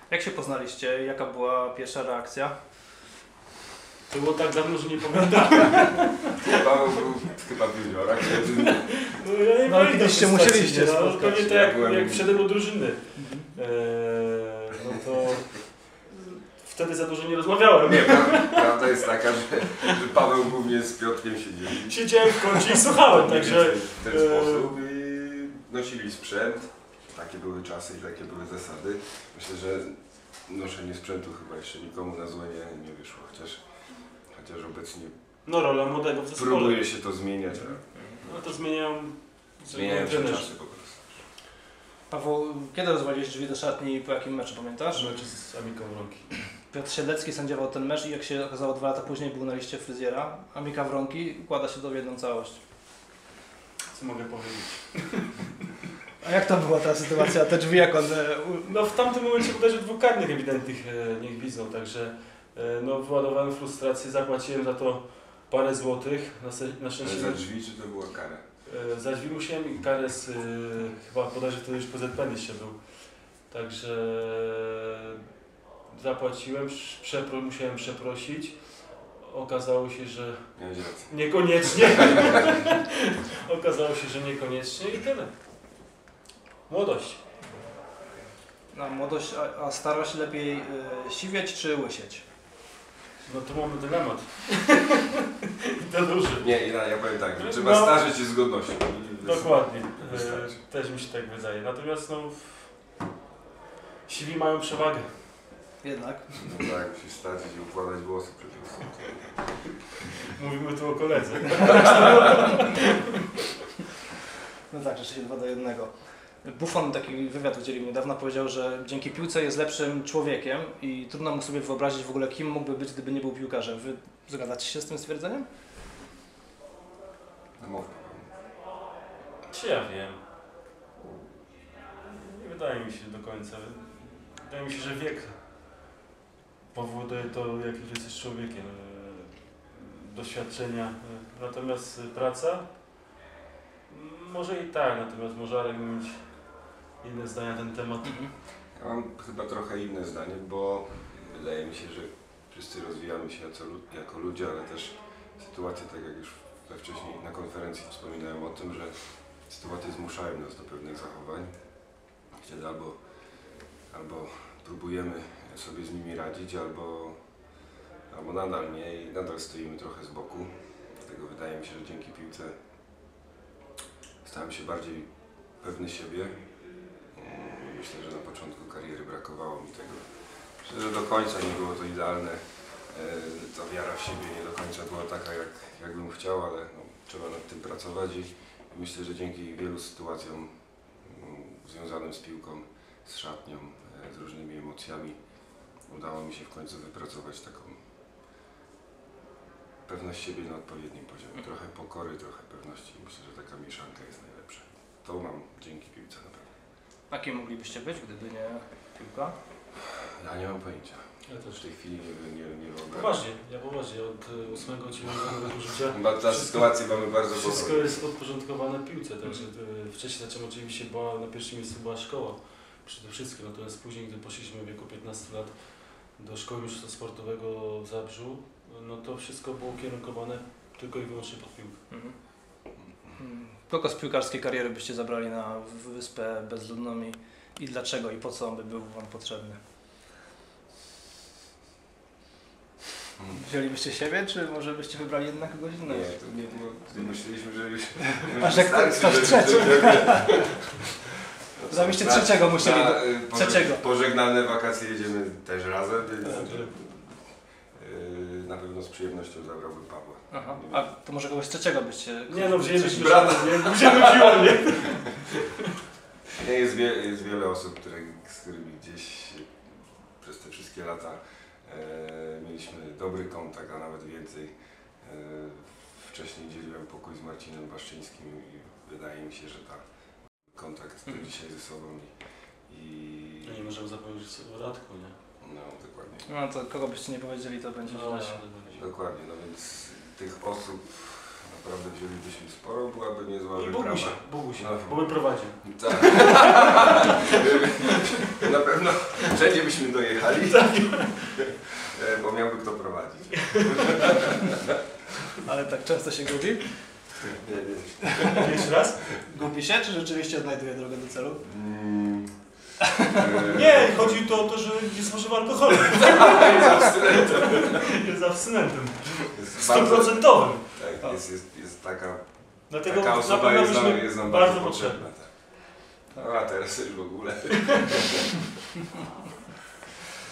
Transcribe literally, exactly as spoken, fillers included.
Jak się poznaliście? Jaka była pierwsza reakcja? To było tak dawno, że nie pamiętam. Paweł był chyba w juniorach. No, ja nie No ale kiedyś się musieliście no, spotkać. pewnie tak Ja jak, byłem- jak wszedłem do drużyny. Mhm. Eee, no to wtedy za dużo nie rozmawiałem. Nie, prawda, prawda jest taka, że, że Paweł głównie z Piotrkiem siedzieli. Siedziałem w kącie i słuchałem, także... W ten e, sposób i nosili sprzęt. Takie były czasy i takie były zasady. Myślę, że noszenie sprzętu chyba jeszcze nikomu na złe nie, nie wyszło, chociaż, chociaż obecnie No rola młodego w zespole. próbuje się to zmieniać, No to zmieniają... a zmieniają się trenerzy. czasy po prostu. Paweł, kiedy rozwaliłeś drzwi do szatni i po jakim meczu pamiętasz? Mecz z Amiką Wronki. Piotr Siedlecki sędziował ten mecz i jak się okazało dwa lata później był na liście fryzjera. Amika Wronki układa się to w jedną całość. Co mogę powiedzieć? A jak to była ta sytuacja? Te drzwi jak one... No w tamtym momencie bodajże dwóch karnych ewidentnych e, niech widzą, także e, no wyładowałem frustrację, zapłaciłem za to parę złotych, na, se, na Ale szczęście za drzwi czy to była kara? e, za drzwi musiałem i karę z, e, chyba bodajże to już P Z P N jeszcze był, także zapłaciłem, przepro, musiałem przeprosić, okazało się, że Miałeś rację. niekoniecznie, okazało się, że niekoniecznie i tyle. Młodość. Na młodość, a, a starość lepiej y, siwieć czy łysieć? No to mamy dylemat. I to duży. Nie, ja, ja powiem tak, że trzeba No. starzeć się z godnością. Dokładnie. Wystarczy. E, też mi się tak wydaje. Natomiast no, siwi mają przewagę. Jednak. No tak, musisz starzeć i układać włosy przed tym. Mówimy tu o koledze. No tak, rzeczywiście dwa do jednego. Buffon taki wywiad udzielił niedawno, powiedział, że dzięki piłce jest lepszym człowiekiem i trudno mu sobie wyobrazić w ogóle, kim mógłby być, gdyby nie był piłkarzem. Wy zgadzacie się z tym stwierdzeniem? No mów. Czy ja wiem? Nie wydaje mi się do końca. Wydaje mi się, że wiek powoduje to, jak już jesteś człowiekiem. E, Doświadczenia. E, Natomiast praca? M, Może i tak, natomiast może Arek mieć inne zdania na ten temat. Ja mam chyba trochę inne zdanie, bo wydaje mi się, że wszyscy rozwijamy się jako, jako ludzie, ale też sytuacje, tak jak już we wcześniej na konferencji wspominałem o tym, że sytuacje zmuszają nas do pewnych zachowań, kiedy albo, albo próbujemy sobie z nimi radzić, albo, albo nadal nie i nadal stoimy trochę z boku. Dlatego wydaje mi się, że dzięki piłce stałem się bardziej pewny siebie. Myślę, że na początku kariery brakowało mi tego. Myślę, że do końca nie było to idealne. Ta wiara w siebie nie do końca była taka, jak, jak bym chciał, ale no, trzeba nad tym pracować i myślę, że dzięki wielu sytuacjom mm, związanym z piłką, z szatnią, z różnymi emocjami udało mi się w końcu wypracować taką pewność siebie na odpowiednim poziomie. Trochę pokory, trochę pewności. Myślę, że taka mieszanka jest najlepsza. To mam dzięki piłce naprawdę. A kim moglibyście być, gdyby nie piłka? Ja nie mam pojęcia. Ja W też. tej chwili nie, nie, nie wyobrażam. Poważnie, ja poważnie. Od e, ósmego, dziewiątego roku życia Chyba ta Wszystko- sytuację mamy bardzo wszystko podobną. jest podporządkowane piłce. Także e, wcześniej zacząłem oczywiście, była, na pierwszym miejscu była szkoła przede wszystkim. Natomiast później, gdy poszliśmy w wieku piętnastu lat do szkoły mistrzostwa sportowego w Zabrzu, no to wszystko było ukierunkowane tylko i wyłącznie pod piłkę. Mhm. Hmm. Kogo z piłkarskiej kariery byście zabrali na wyspę bezludną i, i dlaczego i po co on by był wam potrzebny? Hmm. Wzięlibyście siebie, czy może byście wybrali jednak kogoś Nie, innego? to nie było. Myśleliśmy, że już. A że ktoś wystarczy, trzeci. że- Żebyście Na- trzeciego musieli na, do- y, poże- trzeciego. Pożegnane wakacje jedziemy też razem, więc Tak. y, na pewno z przyjemnością zabrałbym Pawła. Aha. A to może kogoś trzeciego byście... Nie no, wzięliśmy brata. nie? Wzięliśmy siłą, nie? Nie, jest, wie, jest wiele osób, które, z którymi gdzieś przez te wszystkie lata e, mieliśmy dobry kontakt, a nawet więcej. E, wcześniej dzieliłem pokój z Marcinem Baszczyńskim i wydaje mi się, że ta kontakt do Mhm. dzisiaj ze sobą i, i No nie możemy zapomnieć o Radku, nie? no dokładnie. No to kogo byście nie powiedzieli, to będzie No źle. właśnie. Dokładnie, no więc tych osób naprawdę wzięlibyśmy sporo, byłaby niezła I wyprawa. Bogusia, Bogusia, No. bo by prowadził. Tak. Na pewno wszędzie byśmy dojechali, e, bo miałby kto prowadzić. Ale tak często się gubi? Nie, nie. Jeszcze raz? Gubi się, czy rzeczywiście odnajduje drogę do celu? Mm, e, Nie, chodzi tu o to, że nie spożywa alkoholu. Jest abstynentem. Jest abstynentem. Jest bardzo- Stuprocentowym. Tak, jest, jest, jest taka, Dlatego taka na osoba pewno jest nam, byśmy jest nam bardzo bardzo potrzebni. potrzebna. Tak. No a teraz już w ogóle.